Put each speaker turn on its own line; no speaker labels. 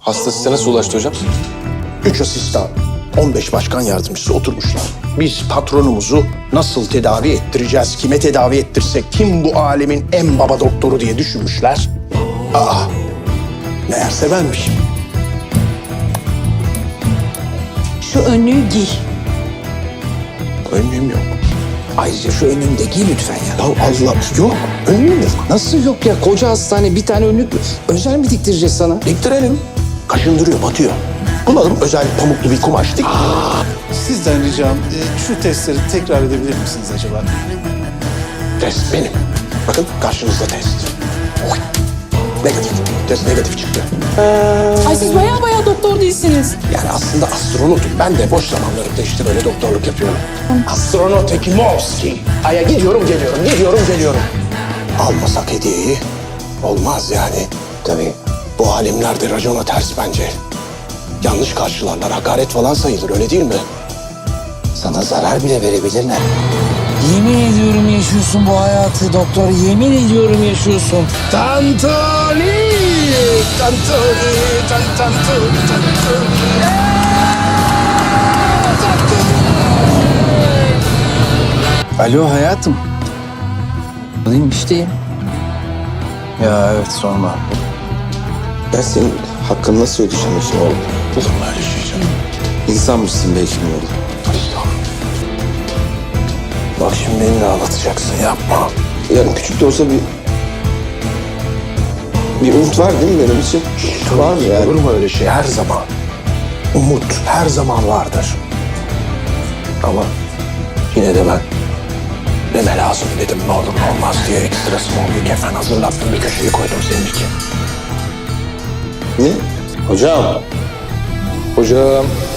Hasta size nasıl ulaştı hocam?
3 asistan, 15 başkan yardımcısı oturmuşlar. Biz patronumuzu nasıl tedavi ettireceğiz, kime tedavi ettirsek, kim bu alemin en baba doktoru diye düşünmüşler. Aa, meğerse benmişim.
Şu önlüğü giy.
Önlüğüm yok.
Ayrıca şu önlüğünü de giy lütfen ya.
Ya Allah, yok. Önlüğüm yok.
Nasıl yok ya? Koca hastane bir tane önlük özel mi diktireceğiz sana?
Diktirelim. Kaşındırıyor, batıyor. Bulalım özel pamuklu bir kumaş dik.
Sizden ricam şu testleri tekrar edebilir misiniz acaba?
Test benim. Bakın karşınızda test. Oy. Negatif. Test negatif çıktı.
Ay siz baya doktor değilsiniz.
Yani aslında astronotum. Ben de boş zamanlarımda işte böyle doktorluk yapıyorum. Astronot Ekimovski. Ay'a gidiyorum geliyorum, gidiyorum geliyorum. Almasak hediyeyi olmaz yani.
Tabii.
Bu alemlerde racona ters bence. Yanlış karşılarlar, hakaret falan sayılır öyle değil mi?
Sana zarar bile verebilirler. Yemin ediyorum yaşıyorsun bu hayatı doktor. Yemin ediyorum yaşıyorsun.
Tantuni! Tantuni! Tantuni!
Alo hayatım. Alayım işteyim. Ya evet sorma.
Ben senin hakkını nasıl ödeyeceğim şimdi oğlum?
Olur mu öyle şey canım?
İnsanmışsın belki mi oğlum?
Bak şimdi beni de ağlatacaksın, yapma.
Yani küçük de olsa bir umut var değil mi benim için? Var mı yani?
Olur mu öyle şey? Her zaman. Umut her zaman vardır. Ama yine de ben deme lazım dedim, ne olur ne olmaz diye ekstra small bir kefen hazırlattım, bir köşeye koydum senin için.
Ne? Hocam.
Hocam.